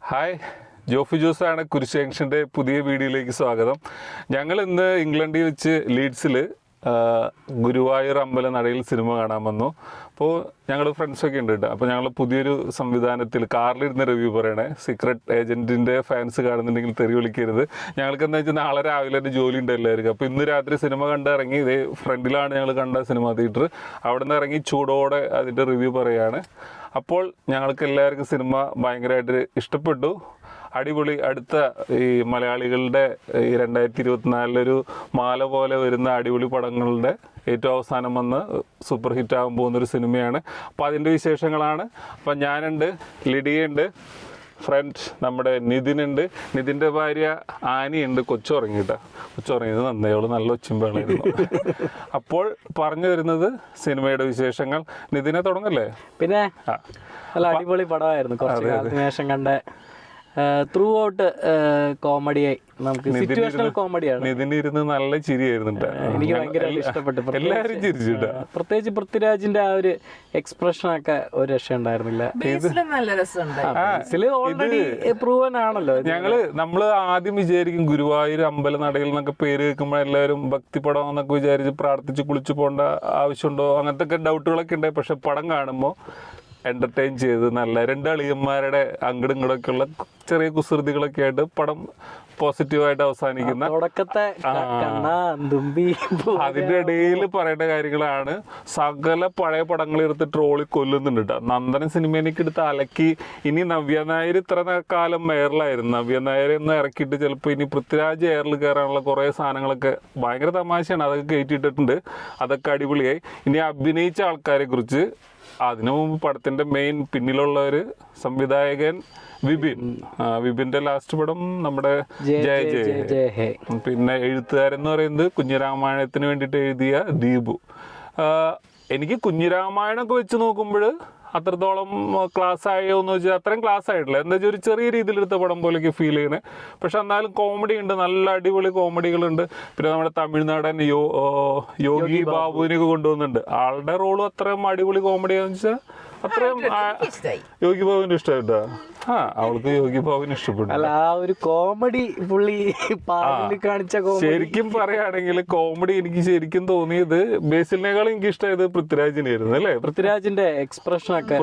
Hi, Jofi ജോസാണ് കുരിശ് ജംഗ്ഷൻ്റെ പുതിയ വീഡിയോയിലേക്ക് സ്വാഗതം. ഞങ്ങൾ ഇന്ന് ഇംഗ്ലണ്ടിൽ വെച്ച് ലീഡ്സിൽ ഗുരുവായൂർ അമ്പലനടയിൽ സിനിമ കാണാൻ വന്നു. അപ്പോൾ ഞങ്ങൾ ഫ്രണ്ട്സൊക്കെ ഉണ്ട് കേട്ടോ. അപ്പോൾ ഞങ്ങൾ പുതിയൊരു സംവിധാനത്തിൽ കാറിലിരുന്ന് റിവ്യൂ പറയണേ. സീക്രട്ട് ഏജൻറ്റിൻ്റെ ഫാൻസ് കാണുന്നുണ്ടെങ്കിൽ തെറി വിളിക്കരുത്. ഞങ്ങൾക്ക് എന്താ വെച്ചാൽ നാളെ രാവിലെ തന്നെ ജോലി ഉണ്ട് എല്ലാവർക്കും. അപ്പോൾ ഇന്ന് രാത്രി സിനിമ കണ്ടിറങ്ങി. ഇതേ ഫ്രണ്ടിലാണ് ഞങ്ങൾ കണ്ട സിനിമ തിയേറ്റർ. അവിടെ നിന്ന് ഇറങ്ങി ചൂടോടെ അതിൻ്റെ റിവ്യൂ പറയുകയാണ്. അപ്പോൾ ഞങ്ങൾക്ക് എല്ലാവർക്കും സിനിമ ഭയങ്കരമായിട്ട് ഇഷ്ടപ്പെട്ടു. അടിപൊളി. അടുത്ത ഈ മലയാളികളുടെ ഈ 2024 മാല പോലെ വരുന്ന അടിപൊളി പടങ്ങളുടെ ഏറ്റവും അവസാനം വന്ന് സൂപ്പർ ഹിറ്റ് ആകാൻ പോകുന്നൊരു സിനിമയാണ്. അപ്പോൾ അതിൻ്റെ വിശേഷങ്ങളാണ്. അപ്പം ഞാനുണ്ട്, ലിഡിയുണ്ട്, ഫ്രണ്ട് നമ്മുടെ നിതിനുണ്ട്, നിതിൻ്റെ ഭാര്യ ആനിയുണ്ട്. കൊച്ചുറങ്ങിയത് നന്നേയോളൂ, നല്ല ഒച്ചുമ്പോളായിരുന്നു. അപ്പോൾ പറഞ്ഞു വരുന്നത് സിനിമയുടെ വിശേഷങ്ങൾ. നിതിനെ തുടങ്ങല്ലേ? പിന്നെ നല്ല അടിപൊളി പടമായിരുന്നു. കുറച്ച് കാലത്തിന് ശേഷം കണ്ട ത്രൂ ഔട്ട് കോമഡിയായി, നമുക്ക് സിറ്റുവേഷണൽ കോമഡിയാണ്. നിതിനിരുന്ന് നല്ല ചിരിയായിരുന്നു. എനിക്ക് ഭയങ്കര ഇഷ്ടപ്പെട്ടു. എല്ലാവരും ചിരിച്ചിട്ടാ. പ്രത്യേകിച്ച് പൃഥ്വിരാജിന്റെ ആ ഒരു എക്സ്പ്രഷൻ ഒക്കെ ഒരു രക്ഷ ഉണ്ടായിരുന്നില്ല. ഓൾറെഡി പ്രൂവൻ ആണല്ലോ. നമ്മള് ആദ്യം വിചാരിക്കും ഗുരുവായൂർ അമ്പലനടയിൽ എന്നൊക്കെ പേര് കേൾക്കുമ്പോൾ എല്ലാവരും ഭക്തിപടം എന്നൊക്കെ വിചാരിച്ച് പ്രാർത്ഥിച്ച് കുളിച്ചു പോകേണ്ട ആവശ്യമുണ്ടോ അങ്ങനത്തെ ഒക്കെ ഡൗട്ടുകളൊക്കെ ഉണ്ടായി. പക്ഷെ പടം കാണുമ്പോൾ എൻ്റർടൈൻ ചെയ്ത് നല്ല രണ്ട് അളിയന്മാരുടെ അങ്ങടും ഇങ്ങടൊക്കെ ഉള്ള ചെറിയ കുസൃതികളൊക്കെ ആയിട്ട് പടം പോസിറ്റീവായിട്ട് അവസാനിക്കുന്ന അതിൻ്റെ ഇടയിൽ പറയേണ്ട കാര്യങ്ങളാണ്. സകല പഴയ പടങ്ങൾ എടുത്ത് ട്രോളി കൊല്ലുന്നുണ്ട് കേട്ടോ. നന്ദന സിനിമയിലേക്ക് എടുത്ത് അലക്കി. ഇനി നവ്യ നായർ ഇത്ര കാലം എയറിലായിരുന്നു. നവ്യ നായർ എന്ന് ഇറക്കിയിട്ട് ചിലപ്പോൾ ഇനി പൃഥ്വിരാജ് എയറിൽ കയറാനുള്ള കുറേ സാധനങ്ങളൊക്കെ ഭയങ്കര തമാശയാണ്. അതൊക്കെ കയറ്റിയിട്ടിട്ടുണ്ട്. അതൊക്കെ അടിപൊളിയായി. ഇനി അഭിനയിച്ച ആൾക്കാരെ കുറിച്ച്, അതിനു മുമ്പ് പടത്തിന്റെ മെയിൻ പിന്നിലുള്ള ഒരു സംവിധായകൻ വിപിന്റെ ലാസ്റ്റ് പടം നമ്മുടെ ജയ ജയ. പിന്നെ എഴുത്തുകാരെന്ന് പറയുന്നത് കുഞ്ഞിരാമായണത്തിന് വേണ്ടിയിട്ട് എഴുതിയ ദീപു. എനിക്ക് കുഞ്ഞിരാമായണമൊക്കെ വെച്ച് നോക്കുമ്പോൾ അത്രത്തോളം ക്ലാസ് ആയോ എന്ന് വെച്ചാൽ അത്രയും ക്ലാസ് ആയിട്ടില്ല. എന്താ വെച്ചാൽ ഒരു ചെറിയ രീതിയിലെടുത്ത പടം പോലെയൊക്കെ ഫീൽ ചെയ്യണേ. പക്ഷെ എന്നാലും കോമഡി ഉണ്ട്, നല്ല അടിപൊളി കോമഡികളുണ്ട്. പിന്നെ നമ്മുടെ തമിഴ്നാടൻ യോഗി ബാബുവിനൊക്കെ കൊണ്ടുവന്നിട്ടുണ്ട്. ആളുടെ റോളും അത്രയും അടിപൊളി കോമഡിയാന്ന് വെച്ചാൽ അത്രയും യോഗി ബാബുവിന് ഇഷ്ടമായിട്ടാ. അവൾക്ക് യോഗി ബാബുവിന് ഇഷ്ടപ്പെട്ടു. അല്ല, ആ ഒരു കോമഡി പുള്ളി കാണിച്ച ശരിക്കും പറയുകയാണെങ്കിൽ കോമഡി എനിക്ക് ശരിക്കും തോന്നിയത് ബേസിലിനേക്കാളും എനിക്ക് ഇഷ്ടമായത് പൃഥ്വിരാജിനായിരുന്നു. അല്ലേ? പൃഥ്വിരാജിന്റെ എക്സ്പ്രഷൻ ഒക്കെ,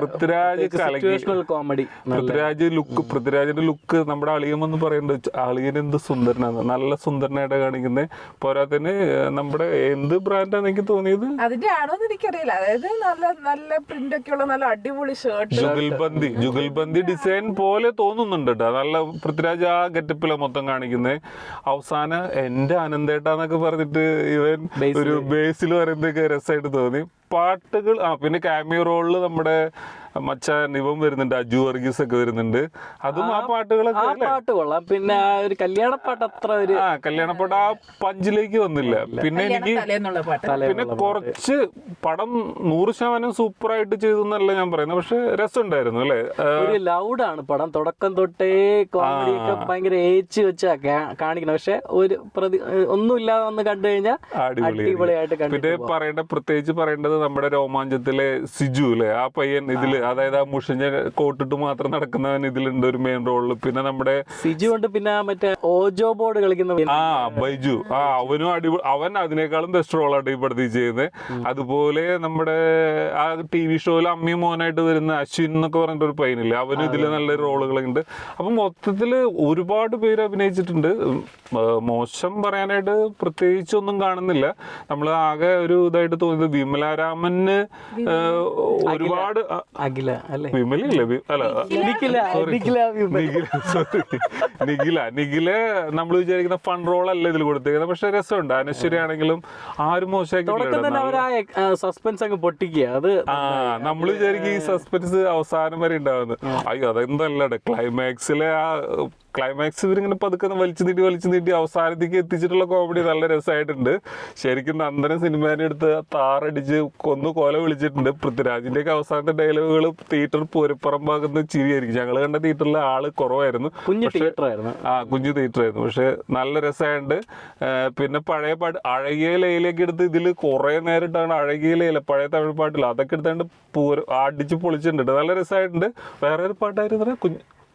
കോമഡി, പൃഥ്വിരാജിന്റെ ലുക്ക് നമ്മുടെ അളിയമെന്ന് പറയുന്നത്. അളിയൻ എന്ത് സുന്ദരനാണ്, നല്ല സുന്ദരനായിട്ട് കാണിക്കുന്നത്. പോരാത്തതിന് നമ്മുടെ എന്ത് ബ്രാൻഡാന്ന് എനിക്ക് തോന്നിയത് അതിന്റെ ആണോന്ന് എനിക്കറിയില്ല. അതായത് നല്ല പ്രിന്റ് ഒക്കെ ഉള്ള നല്ല അടിപൊളി ഷർട്ട്, ജുഗൽബന്ദി ഡിസൈൻ പോലെ തോന്നുന്നുണ്ട് കേട്ടോ. നല്ല പൃഥ്വിരാജ് ആ ഗെറ്റപ്പിലാണ് മൊത്തം കാണിക്കുന്നത്. അവസാനം എന്റെ അനന്തേട്ടാന്നൊക്കെ പറഞ്ഞിട്ട് ഇവൻ ഒരു ബേസിൽ പറയുന്നതൊക്കെ രസമായിട്ട് തോന്നി. പാട്ടുകൾ പിന്നെ ക്യാമിയോ റോളിൽ നമ്മുടെ മച്ചാൻ ഇവൻ വരുന്നുണ്ട്, അജു വർഗീസ് ഒക്കെ വരുന്നുണ്ട്. അതും ആ പാട്ടുകളൊക്കെ പാട്ട് കൊള്ളാം. പിന്നെ ഒരു കല്യാണപ്പാട്ട് അത്ര ഒരു കല്യാണപ്പാട്ട് ആ പഞ്ചിലേക്ക് വന്നില്ല. പിന്നെ എനിക്ക് പിന്നെ കുറച്ച് പടം 100% സൂപ്പറായിട്ട് ചെയ്തു എന്നല്ല ഞാൻ പറയുന്നത്. പക്ഷെ രസമുണ്ടായിരുന്നു. അല്ലേ? ഒരു ലൗഡാണ് പടം. തുടക്കം തൊട്ടേ കോമഡി ഒക്കെ ഭയങ്കര ഏച്ച് വെച്ചാ കാണിക്കണം. പക്ഷെ ഒരു ഒന്നുമില്ലാതെ വന്ന് കണ്ടു കഴിഞ്ഞാൽ അടിപൊളിയായിട്ട്. പിന്നെ പ്രത്യേകിച്ച് പറയേണ്ടത് നമ്മുടെ രോമാഞ്ചത്തിലെ സിജു അല്ലേ, ആ പയ്യൻ ഇതില്, അതായത് ആ മുഷിഞ്ഞ കോട്ടിട്ട് മാത്രം നടക്കുന്നവൻ ഇതിലുണ്ട് ഒരു മെയിൻ റോളിൽ. പിന്നെ നമ്മുടെ സിജു ഉണ്ട്. പിന്നെ മറ്റേ ഓജോ ബോർഡ് കളിക്കുന്ന ബൈജു, അവനും അടിപൊളി. അവൻ അതിനേക്കാളും ബെസ്റ്റ് റോളായിട്ട് ഈ പടത്തിൽ ചെയ്യുന്നത്. അതുപോലെ നമ്മുടെ ആ TV ഷോയിൽ അമ്മയും മോനായിട്ട് വരുന്ന അശ്വിൻ എന്നൊക്കെ പറഞ്ഞിട്ട് ഒരു പയ്യനില്ലേ, അവനും ഇതിൽ നല്ല റോളുകളുണ്ട്. അപ്പൊ മൊത്തത്തില് ഒരുപാട് പേര് അഭിനയിച്ചിട്ടുണ്ട്. മോശം പറയാനായിട്ട് പ്രത്യേകിച്ചൊന്നും കാണുന്നില്ല. നമ്മൾ ആകെ ഒരു ഇതായിട്ട് തോന്നിയത് വിമലാരാമന് ഒരുപാട് നിഖില നമ്മൾ വിചാരിക്കുന്ന ഫൺ റോൾ അല്ല ഇതിൽ കൊടുത്തേക്കുന്നത്. പക്ഷെ രസമുണ്ട്. അനശ്വരി ആണെങ്കിലും ആരും മോശമാക്കി സസ്പെൻസ് അങ്ങ് പൊട്ടിക്കുക. അത് നമ്മൾ വിചാരിക്കും ഈ സസ്പെൻസ് അവസാനം വരെ ഉണ്ടാവുന്നത്. അയ്യോ, അതെന്തല്ലേ ക്ലൈമാക്സിലെ ആ ക്ലൈമാക്സ് ഇവരിങ്ങനെ പതുക്കെ വലിച്ചു നീട്ടി അവസാനത്തേക്ക് എത്തിച്ചിട്ടുള്ള കോമഡി നല്ല രസമായിട്ടുണ്ട്. ശരിക്കും നന്ദന സിനിമേനെ എടുത്ത് താറടിച്ച് കൊല വിളിച്ചിട്ടുണ്ട്. പൃഥ്വിരാജിന്റെ ഒക്കെ അവസാനത്തെ ഡയലോഗുകൾ തിയേറ്റർ പൂരപ്പുറമ്പാകുന്ന ചിരിയായിരിക്കും. ഞങ്ങൾ കണ്ട തിയേറ്ററിൽ ആള് കുറവായിരുന്നു, കുഞ്ഞു തിയേറ്റർ ആയിരുന്നു. പക്ഷെ നല്ല രസമായിട്ടുണ്ട്. പിന്നെ പഴയ പാട്ട് അഴകിയ ലയിലേക്ക് എടുത്ത് ഇതിൽ കുറെ നേരം ഇട്ടാണ് അഴകിയ ലയില പഴയ തമിഴ് പാട്ടില്ല, അതൊക്കെ എടുത്താണ്ട് അടിച്ച് പൊളിച്ചിട്ടുണ്ട്. നല്ല രസമായിട്ടുണ്ട്. വേറെ ഒരു പാട്ടായിരുന്നു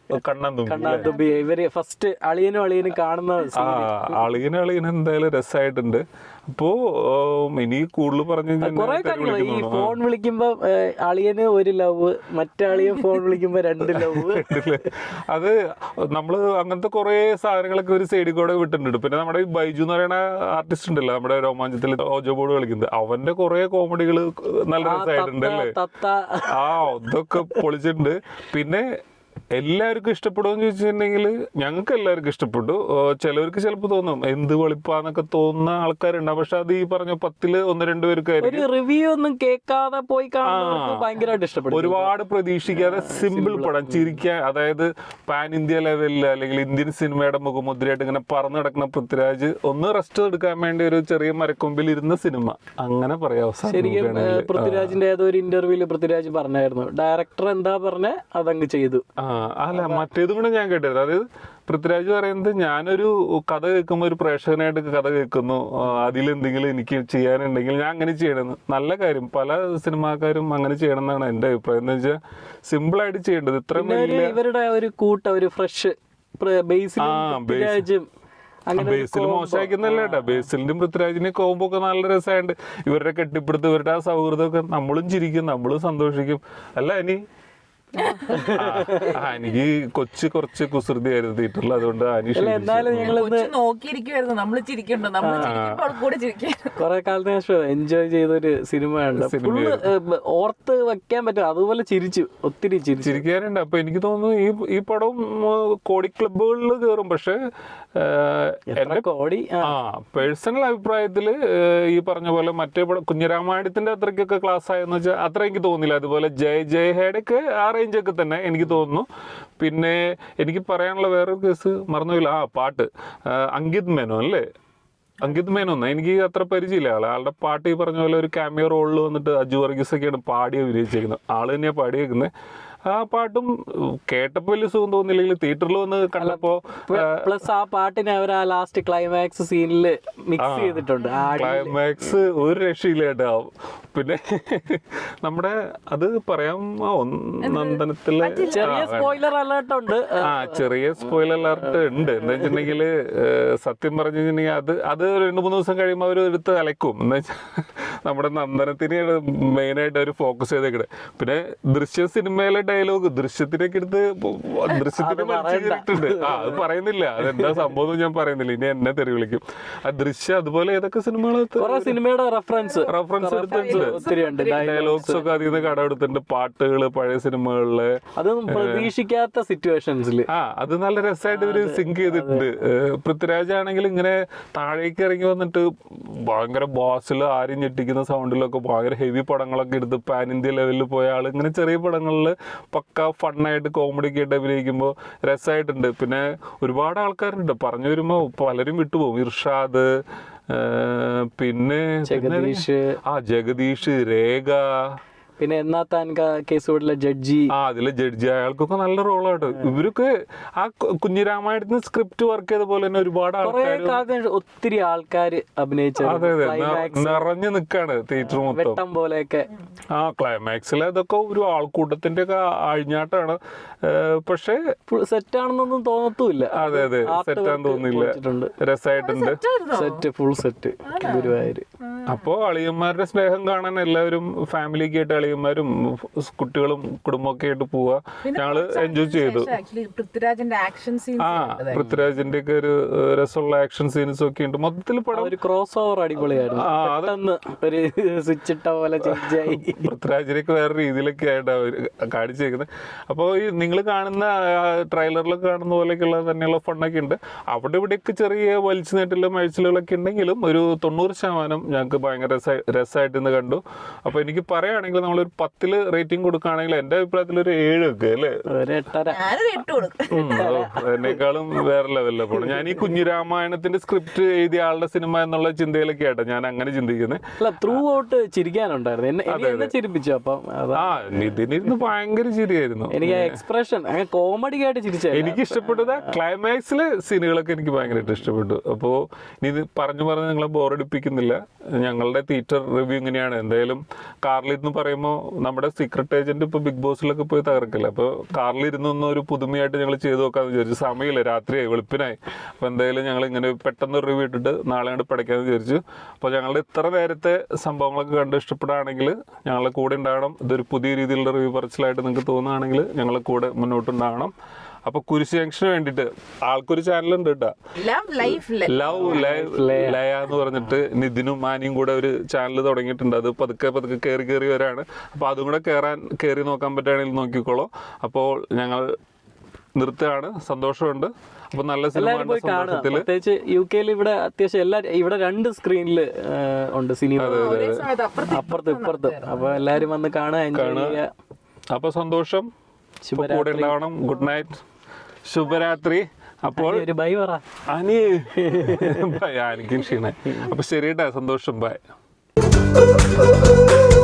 കണ്ണാന്തുമ്പി ഇവര് ഫസ്റ്റ് അളിയനും കാണുന്ന അളിയന് എന്തായാലും രസമായിട്ടുണ്ട്. അപ്പോ ഇനി കൂടുതൽ പറഞ്ഞു കുറെ കാര്യങ്ങൾ ഈ ഫോൺ വിളിക്കുമ്പോ അളിയന് ഒരു ലവ്, മറ്റാളിയൻ ഫോൺ വിളിക്കുമ്പോ 2 ലവ്. അത് നമ്മള് അങ്ങനത്തെ കുറെ സാധനങ്ങളൊക്കെ ഒരു സൈഡിൽ കൂടെ വിട്ടിട്ടുണ്ട്. പിന്നെ നമ്മുടെ ഈ ബൈജു എന്ന് പറയുന്ന ആർട്ടിസ്റ്റ് ഉണ്ടല്ലോ, നമ്മുടെ രോമാഞ്ചത്തിൽ ഓജോ ബോർഡ് കളിക്കുന്നത്, അവന്റെ കുറെ കോമഡികൾ നല്ല രസമായിട്ടുണ്ട് അല്ലേ. ഇതൊക്കെ പൊളിച്ചിട്ടുണ്ട്. പിന്നെ എല്ലാവർക്കും ഇഷ്ടപ്പെടുമെന്ന് ചോദിച്ചിട്ടുണ്ടെങ്കിൽ ഞങ്ങൾക്ക് എല്ലാവർക്കും ഇഷ്ടപ്പെട്ടു. ചിലവർക്ക് ചിലപ്പോൾ തോന്നും എന്ത് വെളിപ്പാന്നൊക്കെ തോന്നുന്ന ആൾക്കാരുണ്ടാവും. പക്ഷെ അത് ഈ പറഞ്ഞ 10 1-2 പേർക്കായിരിക്കും. റിവ്യൂ ഒന്നും കേൾക്കാതെ പോയി ഭയങ്കരമായിട്ട് ഇഷ്ടപ്പെടും. ഒരുപാട് പ്രതീക്ഷിക്കാതെ സിമ്പിൾ പടം, ചിരിക്കാൻ. അതായത് പാൻ ഇന്ത്യ ലെവലിൽ അല്ലെങ്കിൽ ഇന്ത്യൻ സിനിമയുടെ മുഖമുദ്രയായിട്ട് ഇങ്ങനെ പറന്നു കിടക്കുന്ന പൃഥ്വിരാജ് ഒന്ന് റെസ്റ്റ് എടുക്കാൻ വേണ്ടി ഒരു ചെറിയ മരക്കൊമ്പിൽ ഇരുന്ന സിനിമ, അങ്ങനെ പറയാം. ശരിക്കും പൃഥ്വിരാജിന്റെ ഏതോ ഒരു ഇന്റർവ്യൂല് പൃഥ്വിരാജ് പറഞ്ഞായിരുന്നു, ഡയറക്ടർ എന്താ പറഞ്ഞ അതങ്ങ് ചെയ്തു. അല്ല, മറ്റേതും കൂടെ ഞാൻ കേട്ടിരുന്നു. അതായത് പൃഥ്വിരാജ് പറയുന്നത്, ഞാനൊരു കഥ കേൾക്കുമ്പോൾ ഒരു പ്രേക്ഷകനായിട്ട് കഥ കേൾക്കുന്നു, അതിലെന്തെങ്കിലും എനിക്ക് ചെയ്യാനുണ്ടെങ്കിൽ ഞാൻ അങ്ങനെ ചെയ്യണമെന്ന്. നല്ല കാര്യം, പല സിനിമാക്കാരും അങ്ങനെ ചെയ്യണം എന്നാണ് എൻ്റെ അഭിപ്രായം. എന്ന് വെച്ചാൽ സിമ്പിളായിട്ട് ചെയ്യേണ്ടത്. ഇത്രയും ഇവരുടെ ഒരു ഒരു ഫ്രഷ് ബേസിലും മോശമാക്കുന്നല്ല കേട്ടോ. ബേസിലിന്റെയും പൃഥ്വിരാജിന്റെയും കോമ്പോ ഒക്കെ നല്ല രസമായിട്ട് ഇവരുടെ കെട്ടിപ്പിടുത്ത്, ഇവരുടെ ആ സൗഹൃദമൊക്കെ നമ്മളും ചിരിക്കും, നമ്മളും സന്തോഷിക്കും. അല്ല ഇനി എനിക്ക് കുറച്ച് കുസൃതിയായിരുന്നു തിയേറ്ററിൽ, അതുകൊണ്ട് കുറെ കാലത്തിന് ശേഷം എൻജോയ് ചെയ്തൊരു സിനിമയുണ്ട്, ഓർത്ത് വെക്കാൻ പറ്റും. അതുപോലെ ഒത്തിരി ചിരിക്കാനുണ്ട്. അപ്പൊ എനിക്ക് തോന്നുന്നു ഈ പടം കോടി ക്ലബുകളിൽ കയറും. പക്ഷെ എന്റെ പേഴ്സണൽ അഭിപ്രായത്തില് ഈ പറഞ്ഞ പോലെ മറ്റേ പടം കുഞ്ഞിരാമായണത്തിന്റെ അത്രയ്ക്കൊക്കെ ക്ലാസ് ആയെന്ന് വെച്ചാൽ അത്ര എനിക്ക് തോന്നില്ല. അതുപോലെ ജയഹയുടെ ഒക്കെ ആ റേഞ്ചൊക്കെ തന്നെ എനിക്ക് തോന്നുന്നു. പിന്നെ എനിക്ക് പറയാനുള്ള വേറൊരു കേസ് മറന്നുപോയില്ല, പാട്ട് അങ്കിത് മേനോൻ അല്ലേ, അങ്കിത് മേനോൻ എനിക്ക് അത്ര പരിചയമില്ല ആളുടെ പാട്ട്. ഈ പറഞ്ഞ പോലെ ഒരു ക്യാമിയോ റോളിൽ വന്നിട്ട് അജു വർഗീസ് ഒക്കെയാണ് പാടി അഭിനയിച്ചേക്കുന്നത്. ആള് തന്നെയാണ് പാടിയേക്കുന്നത്. ആ പാട്ടും കേട്ടപ്പോ വലിയ സുഖം തോന്നില്ലെങ്കിൽ തിയേറ്ററിൽ വന്ന് കണ്ടപ്പോ പ്ലസ് ആ പാട്ടിനെ അവർ ആ ലാസ്റ്റ് ക്ലൈമാക്സ് സീനിൽ മിക്സ് ചെയ്തിട്ടുണ്ട്. ക്ലൈമാക്സ് ഒരു രക്ഷയില്ല കേട്ടോ. പിന്നെ നമ്മുടെ അത് പറയാം, നന്ദനത്തിലെ ചെറിയ സ്പോയിലർ അലേർട്ട് ഉണ്ട്. ചെറിയ സ്പോയിലർ അലേർട്ട് ഉണ്ട്. എന്താ വെച്ചിട്ടുണ്ടെങ്കിൽ സത്യം പറഞ്ഞു കഴിഞ്ഞിട്ടുണ്ടെങ്കിൽ അത് 2-3 ദിവസം കഴിയുമ്പോൾ അവർ എടുത്ത് അലക്കും. എന്താ വെച്ചാൽ നമ്മുടെ നന്ദനത്തിനെയാണ് മെയിനായിട്ട് അവർ ഫോക്കസ് ചെയ്തേക്കണേ. പിന്നെ ദൃശ്യ സിനിമയിലെ ഡയലോഗ് ദൃശ്യത്തിനൊക്കെ എടുത്ത് ദൃശ്യത്തിന് മരിച്ചിട്ടുണ്ട്. അത് പറയുന്നില്ല, അതെന്താ സംഭവം ഞാൻ പറയുന്നില്ല, ഇനി എന്നെ തെറി വിളിക്കും. ആ ദൃശ്യം അതുപോലെ ഏതൊക്കെ സിനിമയുടെ റെഫറൻസ് എടുത്തിട്ടുണ്ട്, ഡയലോഗ്സ് ഒക്കെ അതിൽ നിന്ന് കടമെടുത്തിട്ടുണ്ട്. പാട്ടുകള് പഴയ സിനിമകളില് അതൊന്നും പ്രതീക്ഷിക്കാത്ത സിറ്റുവേഷൻസിൽ അത് നല്ല രസമായിട്ട് ഇവര് സിങ്ക് ചെയ്തിട്ടുണ്ട്. പൃഥ്വിരാജ് ആണെങ്കിൽ ഇങ്ങനെ താഴേക്ക് ഇറങ്ങി വന്നിട്ട് ഭയങ്കര ബോസിൽ ആരും ഞെട്ടിക്കുന്ന സൗണ്ടിലൊക്കെ ഭയങ്കര ഹെവി പടങ്ങളൊക്കെ എടുത്ത് പാൻ ഇന്ത്യ ലെവലിൽ പോയ ആള് ഇങ്ങനെ ചെറിയ പടങ്ങളിൽ പക്ക ഫണ്ണായിട്ട് കോമഡിക്ക് ആയിട്ട് അഭിനയിക്കുമ്പോൾ രസമായിട്ടുണ്ട്. പിന്നെ ഒരുപാട് ആൾക്കാരുണ്ട്, പറഞ്ഞു വരുമ്പോൾ പലരും വിട്ടുപോകും. ഇർഷാദ്, പിന്നെ ജഗദീഷ്, രേഖ, പിന്നെ എന്നാ താൻ കേസുകളിലെ ജഡ്ജി, അതിലെ ജഡ്ജി, അയാൾക്കൊക്കെ നല്ല റോളായിട്ട്. ഇവരൊക്കെ ആ കുഞ്ഞിരാമായണത്തിന് സ്ക്രിപ്റ്റ് വർക്ക് ചെയ്ത പോലെ തന്നെ ഒരുപാട് ഒത്തിരി ആൾക്കാർ അഭിനയിച്ചു. അതെ അതെ, നിറഞ്ഞു നിൽക്കാണ് തിയേറ്റർ മൊത്തം പോലെയൊക്കെ. ക്ലൈമാക്സിൽ അതൊക്കെ ഒരു ആൾക്കൂട്ടത്തിന്റെ ഒക്കെ അഴിഞ്ഞാട്ടാണ്. പക്ഷേ സെറ്റാണെന്നൊന്നും തോന്നത്തുമില്ല. അതെ അതെ, സെറ്റാന്ന് തോന്നില്ല, രസമായിട്ടുണ്ട്. Set full set Guruvayur. അപ്പോ അളിയന്മാരുടെ സ്നേഹം കാണാൻ എല്ലാവരും ഫാമിലിക്ക് ആയിട്ട് അളിയന്മാരും കുട്ടികളും കുടുംബമൊക്കെ ആയിട്ട് പോവാ. ഞങ്ങള് എൻജോയ് ചെയ്തു. പൃഥ്വിരാജിന്റെ ഒക്കെ ഒരു രസമുള്ള ആക്ഷൻ സീൻസ് ഒക്കെ ഉണ്ട്. മൊത്തത്തിൽ പടം ഒരു ക്രോസ് ഓവർ അടിപൊളിയായിരുന്നു. ഒരു സ്വിച്ച് ഇട്ട പോലെ പൃഥ്വിരാജിനൊക്കെ വേറെ രീതിയിലൊക്കെ ആയിട്ട് അവര് കാണിച്ചേക്കുന്നത്. അപ്പോൾ ഈ നിങ്ങൾ കാണുന്ന ട്രെയിലറിലൊക്കെ കാണുന്ന പോലെയൊക്കെയുള്ള തന്നെയുള്ള ഫണ്ണൊക്കെ ഉണ്ട്. അവിടെ ഇവിടെയൊക്കെ ചെറിയ വലിച്ചു നീട്ടലും അഴിച്ചിലുകളൊക്കെ ഉണ്ടെങ്കിലും ഒരു 90% ഞങ്ങൾക്ക് ഭയങ്കര രസമായിട്ട് ഇന്ന് കണ്ടു. അപ്പൊ എനിക്ക് പറയുകയാണെങ്കിൽ നമ്മളൊരു 10 റേറ്റിംഗ് കൊടുക്കുകയാണെങ്കിൽ എന്റെ അഭിപ്രായത്തിൽ ഒരു 7 ഒക്കെ അല്ലേ, എന്നെക്കാളും വേറെ ലെവലിലെ പോണം. ഞാൻ ഈ കുഞ്ഞിരാമായണത്തിന്റെ സ്ക്രിപ്റ്റ് എഴുതിയ ആളുടെ സിനിമ എന്നുള്ള ചിന്തയിലൊക്കെ ആട്ടോ ഞാൻ അങ്ങനെ ചിന്തിക്കുന്നത്. Through out ചിരിക്കാനുണ്ടായിരുന്നു. നിതിനിരുന്ന് ഭയങ്കര ചിരിയായിരുന്നു. എനിക്ക് എക്സ്പ്രഷൻ കോമഡി ആയിട്ട് ചിരിച്ച എനിക്ക് ഇഷ്ടപ്പെട്ടത് ക്ലൈമാക്സിലെ സീനുകളൊക്കെ എനിക്ക് ഭയങ്കരമായിട്ട് ഇഷ്ടപ്പെട്ടു. അപ്പോൾ ഇത് പറഞ്ഞു നിങ്ങളെ ബോറടിപ്പിക്കുന്നില്ല. ഞങ്ങളുടെ തിയേറ്റർ റിവ്യൂ ഇങ്ങനെയാണ്. എന്തായാലും കാറിലിരുന്ന് പറയുമ്പോൾ നമ്മുടെ സീക്രട്ട് ഏജന്റ് ഇപ്പോൾ ബിഗ് ബോസിലൊക്കെ പോയി തകർക്കില്ല. അപ്പോൾ കാറിലിരുന്നൊന്നും ഒരു പുതുമയായിട്ട് ഞങ്ങൾ ചെയ്തു നോക്കാമെന്ന് വിചാരിച്ചു. സമയമില്ല, രാത്രിയായി, വെളുപ്പിനായി. അപ്പോൾ എന്തായാലും ഞങ്ങൾ ഇങ്ങനെ പെട്ടെന്ന് റിവ്യൂ ഇട്ടിട്ട് നാളെ കണ്ട് പഠിക്കാമെന്ന് വിചാരിച്ചു. അപ്പോൾ ഞങ്ങളുടെ ഇത്ര നേരത്തെ സംഭവങ്ങളൊക്കെ കണ്ട് ഇഷ്ടപ്പെടുകയാണെങ്കിൽ ഞങ്ങളെ കൂടെ ഉണ്ടാകണം. ഇതൊരു പുതിയ രീതിയിലുള്ള റിവ്യൂ പറച്ചിലായിട്ട് നിങ്ങൾക്ക് തോന്നുകയാണെങ്കിൽ ഞങ്ങളെ കൂടെ മുന്നോട്ടുണ്ടാകണം. അപ്പൊ കുരിശ് ജംഗ്ഷന് വേണ്ടിട്ട് ആൾക്കൊരു ചാനലുണ്ട് കേട്ടോ, ലവ് ലയ എന്ന് പറഞ്ഞിട്ട് നിതിനും മാനിയും കൂടെ ഒരു ചാനൽ തുടങ്ങിയിട്ടുണ്ട്. അത് പതുക്കെ പതുക്കെ കയറി വരാണ്. അപ്പൊ അതും കൂടെ കയറി നോക്കാൻ പറ്റുകയാണെങ്കിൽ നോക്കിക്കോളൂ. അപ്പോൾ ഞങ്ങൾ നിർത്തുകയാണ്. സന്തോഷമുണ്ട്. അപ്പൊ നല്ല സിനിമ സന്തോഷത്തില്, പ്രത്യേകിച്ച് UK ഇവിടെ അത്യാവശ്യം ഇവിടെ 2 സ്ക്രീനിൽ ഉണ്ട് സിനിമ, അപ്പുറത്തും ഇപ്പുറത്തും. അപ്പൊ എല്ലാരും വന്ന് കാണുക, എൻജോയ് ചെയ്യുക. അപ്പൊ സന്തോഷം, കൂടെ ഉണ്ടാവണം. ഗുഡ് നൈറ്റ്, ശുഭരാത്രി. അപ്പോൾ ഒരു ബൈ പറ അനി. എനിക്കും ക്ഷീണ. അപ്പൊ ശരി കേട്ടാ, സന്തോഷം, ബൈ.